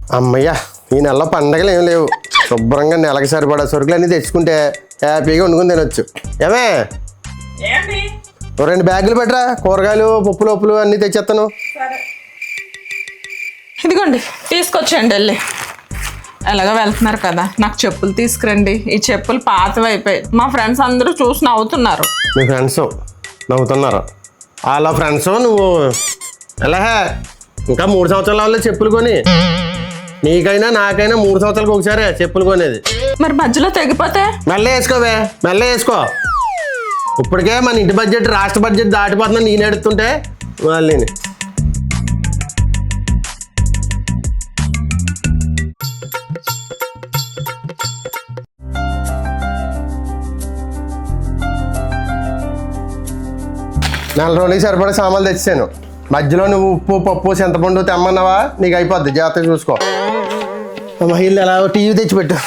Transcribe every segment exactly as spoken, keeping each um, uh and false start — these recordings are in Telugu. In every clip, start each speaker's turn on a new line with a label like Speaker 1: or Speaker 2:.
Speaker 1: అమ్మయ్యా ఈ నెలలో పండగలు ఏం లేవు. శుభ్రంగా నెలకి సరిపడా సరుకులు అన్నీ తెచ్చుకుంటే హ్యాపీగా వండుకుని తినొచ్చు. ఏమే రెండు బ్యాగులు పెట్టరా, కూరగాయలు పప్పులు ఉప్పులు అన్నీ తెచ్చేస్తాను.
Speaker 2: ఇదిగోండి తీసుకొచ్చేయండి వెళ్ళి. ఎలాగో వెళ్తున్నారు కదా, నాకు చెప్పులు తీసుకురండి. ఈ చెప్పులు పాతవి అయిపోయాయి. మా ఫ్రెండ్స్ అందరూ చూసి నవ్వుతున్నారు.
Speaker 1: మీ ఫ్రెండ్స్ నవ్వుతున్నారు? వాళ్ళ ఫ్రెండ్స్ నువ్వు ఎలా ఇంకా మూడు సంవత్సరాల వాళ్ళు చెప్పులు కొని, నీకైనా నాకైనా మూడు సంవత్సరాలకు ఒకసారి చెప్పులు కొనేది.
Speaker 2: మరి మధ్యలో తెగిపోతే
Speaker 1: మెల్ల వేసుకోవే, మెల్ల వేసుకో. ఇప్పటికే మన ఇంటి బడ్జెట్ రాష్ట్ర బడ్జెట్ దాటిపోతున్నా నేను ఎడుతుంటే వాళ్ళని. నెల రోజులకి సరిపడే సామాన్లు తెచ్చాను. మధ్యలో నువ్వు ఉప్పు పప్పు చింతపండు తెమ్మన్నావా, నీకు అయిపోద్ది. జాగ్రత్తగా చూసుకో. మహిళలు ఎలా టీవీ తెచ్చిపెట్టు.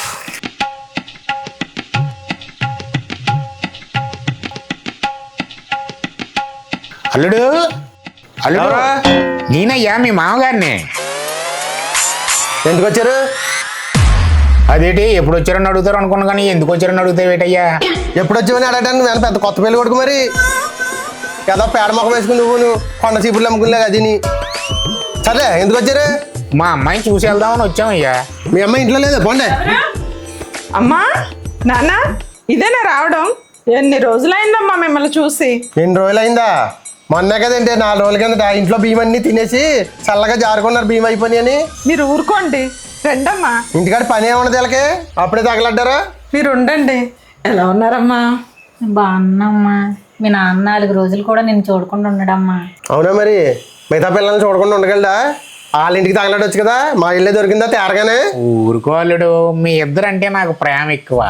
Speaker 3: అల్లుడు అల్లుడు నేనయ్యా మీ మామగారిని.
Speaker 1: ఎందుకు వచ్చారు?
Speaker 3: అదేంటి ఎప్పుడు వచ్చారని అడుగుతారు అనుకున్నా కానీ ఎందుకు వచ్చారని అడుగుతావు ఏటయ్యా?
Speaker 1: ఎప్పుడు వచ్చావని అడగటానికి నేను పెద్ద కొత్త పెళ్ళి కొడుకు మరి కదా పేడ మొక్క వేసుకుని నువ్వు నువ్వు కొండ చీపుర్లు అమ్ముకునేలాగా అది నీ. సరే ఎందుకు వచ్చారు?
Speaker 3: మా అమ్మాయిని చూసి వెళ్దామని వచ్చామయ్యా.
Speaker 1: మీ అమ్మాయి ఇంట్లో లేదా? పోండే.
Speaker 2: అమ్మా నాన్న ఇదేనా రావడం? ఎన్ని రోజులైందమ్మా మిమ్మల్ని చూసి?
Speaker 1: ఎన్ని రోజులు అయిందా? మొన్నే కదండి నాలుగు రోజుల కిందట ఇంట్లో బియ్యం అన్నీ తినేసి చల్లగా జారుకున్నారు బియ్యం అయిపోయి అని.
Speaker 2: మీరు ఊరుకోండి, రండమ్మా.
Speaker 1: ఇంటికాడ పని ఏమన్నది వీళ్ళకి? అప్పుడే తగలడ్డారా?
Speaker 2: మీరు ఉండండి. ఎలా ఉన్నారమ్మా?
Speaker 4: బాగున్నామ్మా. మీ నాన్న నాలుగు రోజులు కూడా నేను చూడకుండా ఉండడమ్మా.
Speaker 1: అవునా? మరి మిగతా పిల్లల్ని చూడకుండా ఉండగలడా? వాళ్ళ ఇంటికి తగలడొచ్చు కదా. మా ఇల్లే దొరికిందా తేరగానే?
Speaker 3: ఊరుకో అల్లుడు, మీ ఇద్దరు అంటే నాకు ప్రేమ ఎక్కువ.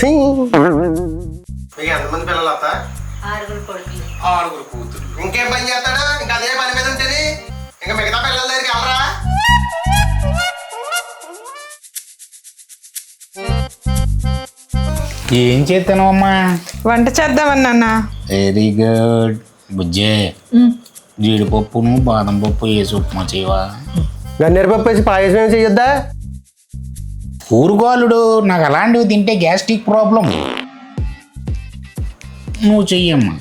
Speaker 1: ఎంతమంది పిల్లలు అత్త? ఆరుగురు కూతురు. ఇంకేం పని చేస్తాడా? ఇంకా అదే పని మీద ఉంటుంది. ఇంకా మిగతా పిల్లల దగ్గరికి వెళ్ళరా?
Speaker 3: ఏం చేస్తాను అమ్మా?
Speaker 2: వంట చేద్దామని నాన్న.
Speaker 3: Very good బుజ్జే. జీడిపప్పును బాదం పప్పు వేసి ఉప్మా చేయవా?
Speaker 1: గన్నేరు పప్పు వేసి పాయసం ఏమి చెయ్యొద్దా?
Speaker 3: ఊరుకో అల్లుడు, నాకు అలాంటివి తింటే గ్యాస్ట్రిక్ ప్రాబ్లం. నువ్వు చెయ్యమ్మా.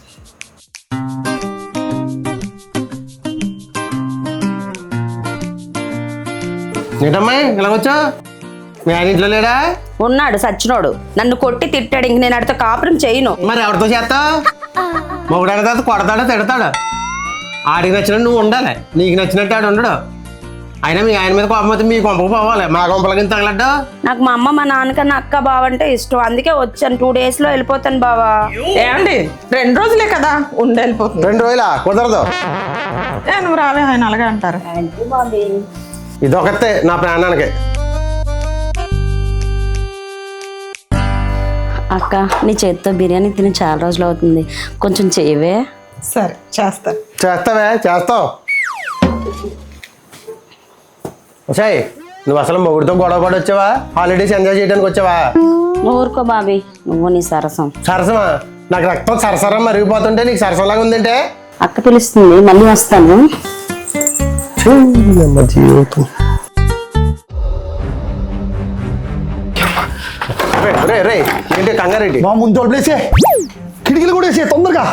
Speaker 1: ఏంటమ్మా ఇలా వచ్చా? మీ ఆయన ఇంట్లో లేడా?
Speaker 5: ఉన్నాడు సచ్చినోడు. నన్ను కొట్టి తిట్టాడు. ఇంక నేను అడితో కాపురం చేయను.
Speaker 1: మరి ఎవరితో చేస్తావు? మొగుడు తర్వాత కొడతాడా తిడతాడా? ఆడికి నచ్చినట్టు నువ్వు ఉండాలి, నీకు నచ్చినట్టు ఆడు ఉండడు. అయినా మీ ఆయన మీద కోపం అయితే మీ కొంపకు పోవాలి, మా కొంపల కింద తగలడ్డా.
Speaker 5: నాకు మా అమ్మ మా నాన్నకన్నా అక్క బావ అంటే ఇష్టం, అందుకే వచ్చాను. టూ డేస్ లో వెళ్ళిపోతాను బావా.
Speaker 2: ఏమండి రెండు రోజులే కదా ఉండి వెళ్ళిపోతుంది.
Speaker 1: రెండు రోజులా? కుదరదు.
Speaker 2: ఏ నువ్వు రావే, ఆయన అలాగే అంటారు.
Speaker 1: ఇదొకతే నా ప్రాణానికి.
Speaker 5: అక్క నీ చేతితో బిర్యానీ తిని చాలా రోజులు అవుతుంది, కొంచెం చేయవే.
Speaker 2: సరే చేస్తా.
Speaker 1: చేస్తావే? చేస్తావు. సాయి నువ్వు అసలు మొగుడితో గొడవ పడి వచ్చావా? హాలిడేస్ ఎంజాయ్ చేయడానికి వచ్చావా?
Speaker 5: ఊరుకో బాబీ, నువ్వు నీ సరసం.
Speaker 1: సరసమా? నాకు రక్తం సరసరం మరిగిపోతుంటే నీకు సరసంలాగా ఉందంటే.
Speaker 5: అక్క పిలుస్తుంది, మళ్ళీ వస్తాను.
Speaker 1: జీవితం రే రే ఏంటి కంగారెడ్డి?
Speaker 6: మా ముందు తోడులేసే, కిటికీలు కూడా వేసే తొందరగా.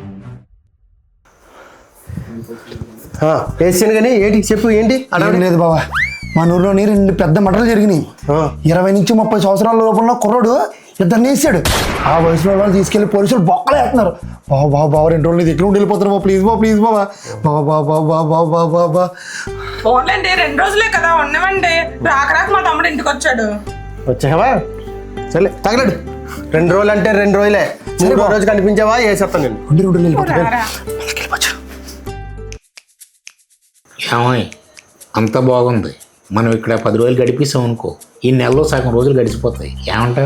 Speaker 1: వేసాను కానీ ఏంటి చెప్పు, ఏంటి
Speaker 6: అడగడం లేదు బాబా. మా ఊర్లోని రెండు పెద్ద మటలు జరిగినాయి. ఇరవై నుంచి ముప్పై సంవత్సరాల లోపల కుర్రోడు ఇద్దరిని వేసాడు. ఆ వయసులో వాళ్ళు తీసుకెళ్లి పోలీసులు బొక్కలు వేస్తున్నారు. బాబా బాబా బాబా రెండు రోజులు దగ్గర ఉండి వెళ్ళిపోతారు బాబా, ప్లీజ్ బాబా ప్లీజ్ బాబా. బాబా బాబా బాబా బాబా బాబా
Speaker 2: పోన్లేండి, రెండు రోజులే కదా ఉండమండి. రాక రాక మా తమ్ముడు ఇంటికి వచ్చాడు.
Speaker 1: వచ్చావా? సరే తగలడు. రెండు రోజులు అంటే రెండు రోజులే. మూడో రోజు కనిపించావా వేసేస్తాను నేను.
Speaker 6: రెండు రోజులు వెళ్ళిపోతారు.
Speaker 3: ఏమోయ్ అంత బాగుంది, మనం ఇక్కడ పది రోజులు గడిపిస్తాం అనుకో, ఈ నెలలో సగం రోజులు గడిచిపోతాయి. ఏమంటారు?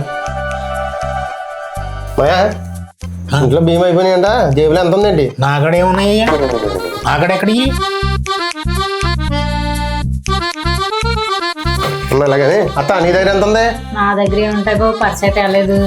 Speaker 1: ఇంట్లో భీమా అయిపోయినాయంట. జేబులో ఎంత ఉందండి?
Speaker 3: నాకడే ఉన్నాయ్యా. నాకడెక్కడికి?
Speaker 1: ఇలాగని అత్త నీ దగ్గర ఎంత ఉంది?
Speaker 4: నా దగ్గర ఉంటాయి బాబు, పర్స్ అయితే వెళ్ళలేదు.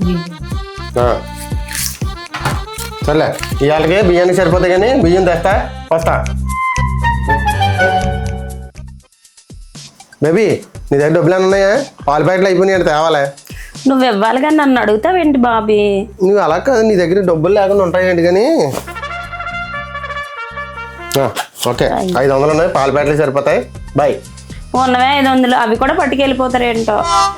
Speaker 1: సర్లే ఇవాళకి బియ్యానికి సరిపోతాయి కానీ బియ్యం తెస్తా, వస్తా. బేబీ నీ దగ్గర డబ్బులు ఏమైనా ఉన్నాయా? పాల ప్యాకెట్లు అయిపోయినాయి అంటే తేవాలే.
Speaker 5: నువ్వు ఇవ్వాలి కానీ నన్ను అడుగుతావేంటి బాబీ?
Speaker 1: నువ్వు అలా కాదు, నీ దగ్గర డబ్బులు లేకుండా ఉంటాయండి కానీ. ఆ, ఓకే ఐదు వందలు ఉన్నాయి, పాల ప్యాకెట్లు సరిపోతాయి. బాయ్.
Speaker 5: ఉన్నవే ఐదు వందలు, అవి కూడా పట్టుకెళ్ళిపోతారేంటో.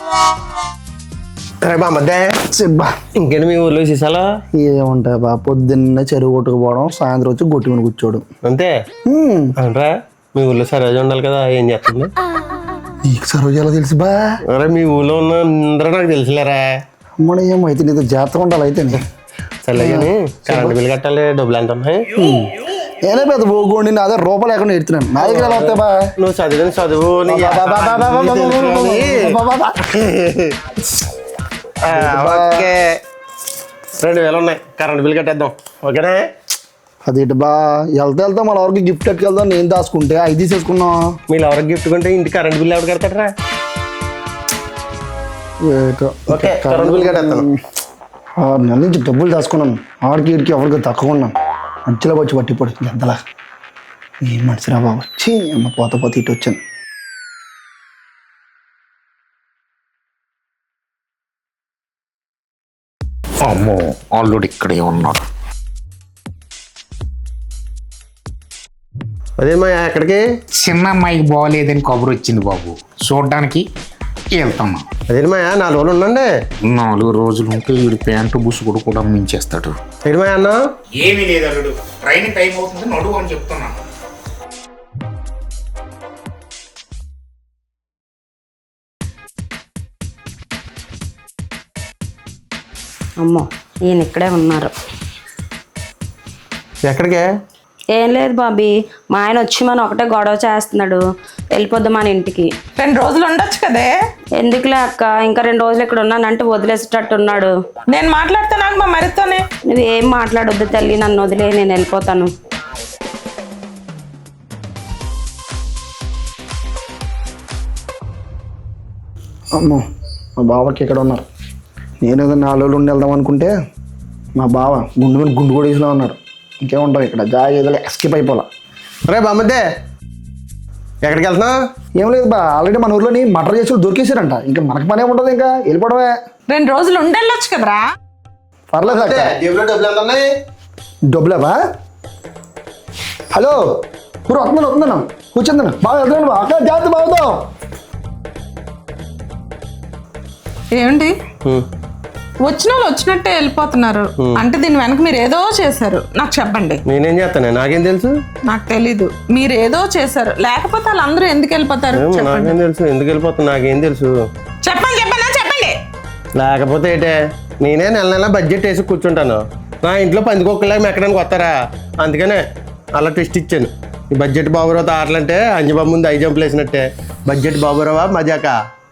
Speaker 1: రే బా మధ్య
Speaker 6: చెప్పా
Speaker 1: ఇంకేంటి మీ ఊర్లో విశేషాలు?
Speaker 6: ఏముంటాయి బా, పొద్దున్న చెరువు కొట్టుకుపోవడం, సాయంత్రం వచ్చి కొట్టుకుని కూర్చోడు.
Speaker 1: అంతే అంటారా? మీ ఊర్లో సరోజ ఉండాలి కదా, ఏం చేస్తుంది?
Speaker 6: నీకు సరోజ ఎలా తెలుసు బా?
Speaker 1: అరే మీ ఊళ్ళో ఉన్న అందరూ నాకు తెలుసులేరా.
Speaker 6: అమ్మడ ఏమైతే నీతో జాగ్రత్తగా ఉండాలి అయితే.
Speaker 1: సరే కానీ కరెంట్ బిల్ కట్టాలి, డబ్బులు ఎంత ఉన్నాయి?
Speaker 6: నేనే పెద్ద పోగొండి నా దగ్గర రూపాయలు లేకుండా ఎడుతున్నాను. నా దగ్గర ఎలా వస్తాయి బా?
Speaker 1: నువ్వు చదివిన చదువు నీకు ఆ, ఓకే రెండు వేలు ఉన్నాయి, కరెంట్ బిల్ కట్టేద్దాం. ఓకేనా?
Speaker 6: అదేంటి బా, వెళ్తా వెళ్తా మన ఎవరికి గిఫ్ట్ కట్టుకెళ్దాం, నేను దాచుకుంటే అవి తీసేసుకున్నాం.
Speaker 1: మీరు ఎవరికి గిఫ్ట్ కొంటే ఇంటి కరెంట్ బిల్ ఎవరు కడతారా? ఓకే కరెంట్ బిల్ కట్టేస్తాను.
Speaker 6: ఆరు నెలల నుంచి డబ్బులు దాచుకున్నాను, ఆడికి ఇడికి ఎవరికి తక్కువన్నాను. మధ్యలో వచ్చి పట్టిపోడు ఎంతలా. ఏం మనిషిరా బాబు, వచ్చి అమ్మ పోత పోత ఇటు వచ్చాను.
Speaker 3: అమ్మో ఆల్రెడీ ఇక్కడే ఉన్నాడు.
Speaker 1: అదే మా ఎక్కడికి?
Speaker 3: చిన్న అమ్మాయికి బాగోలేదని కబురు వచ్చింది బాబు, చూడడానికి వెళ్తాను.
Speaker 1: అదే మాయా నాలుగు రోజులు ఉండండి.
Speaker 3: నాలుగు రోజులు ఉంటే వీడి ప్యాంటు బుసుగుడు కూడా మించేస్తాడు.
Speaker 1: ఏంటి మాయా అన్న?
Speaker 3: ఏమీ లేదు అల్లుడు, ట్రైన్ టైం అవుతుంది నడువు అని చెప్తున్నాను.
Speaker 5: అమ్మో ఈయన ఇక్కడే ఉన్నారు.
Speaker 1: ఎక్కడికే?
Speaker 5: ఏం లేదు బాబీ, మా ఆయన వచ్చి మన ఒకటే గొడవ చేస్తున్నాడు, వెళ్ళిపోద్దాం మన ఇంటికి.
Speaker 2: రెండు రోజులు ఉండొచ్చు కదే.
Speaker 5: ఎందుకులే అక్క, ఇంకా రెండు రోజులు ఇక్కడ ఉన్నానంటే వదిలేసేటట్టు ఉన్నాడు.
Speaker 2: నేను మాట్లాడితే నాకు మా మరితోనే.
Speaker 5: నువ్వేం మాట్లాడొద్దు తల్లి, నన్ను వదిలే, నేను వెళ్ళిపోతాను.
Speaker 6: అమ్మో మా బావకి ఇక్కడ ఉన్నారు. నేను ఏదో నాలుగు రోజులు ఉండి వెళ్దాం అనుకుంటే మా బావ గుండు మీద గుండు కొడేసిలో ఉన్నాడు. ఇంకేముంటావు ఇక్కడ, జాగ్రత్తగా ఎస్కేప్ అయిపోలా.
Speaker 1: రే బామ్మద్దే ఎక్కడికి వెళ్తున్నావు?
Speaker 6: ఏం లేదు బా, ఆల్రెడీ మన ఊర్లోని మటర్ చేసి దొరికేసారంట. ఇంకా మనకి పనే ఉంటుంది, ఇంకా వెళ్ళిపోవడమే.
Speaker 2: రెండు రోజులు ఉండెళ్ళొచ్చు కదరా.
Speaker 6: పర్లేదు అక్క.
Speaker 1: జేబులో డబ్బులు ఎంత ఉన్నాయి?
Speaker 6: డబ్బులేవా? హలో ఊరు వస్తున్నాను వస్తున్నాను కూర్చుందాను బాగా వెళ్తున్నాను బా. అక్క జాగ్రత్త బాగుతాం.
Speaker 2: ఏమండి
Speaker 1: హ్మ్.
Speaker 2: వచ్చిన వాళ్ళు వచ్చినట్టే వెళ్ళిపోతున్నారు అంటే దీని వెనక మీరు ఏదో చేశారు, నాకు చెప్పండి.
Speaker 1: నేనేం చేస్తాను, నాకేం తెలుసు?
Speaker 2: నాకు తెలీదు, మీరు ఏదో చేశారు, లేకపోతే వాళ్ళందరూ ఎందుకు వెళ్ళిపోతారు?
Speaker 1: ఏమో,
Speaker 2: చెప్పండి
Speaker 1: నాకేం తెలుసు ఎందుకు వెళ్ళిపోతున్నా, నాకేం తెలుసు?
Speaker 2: చెప్పండి చెప్పండి చెప్పండి.
Speaker 1: లేకపోతే ఏంటే, నేనే నెల నెల బడ్జెట్ వేసి కూర్చుంటాను. నా ఇంట్లో పందికొక్కలాగా మెక్కడానికి వస్తారా? అందుకనే అలా టెస్ట్ ఇచ్చాను. ఈ బడ్జెట్ బాబురావు ఆటలంటే అంజబాబు ముందు ఐదు జంపులు వేసినట్టే. బడ్జెట్ బాబురావా మజాకా?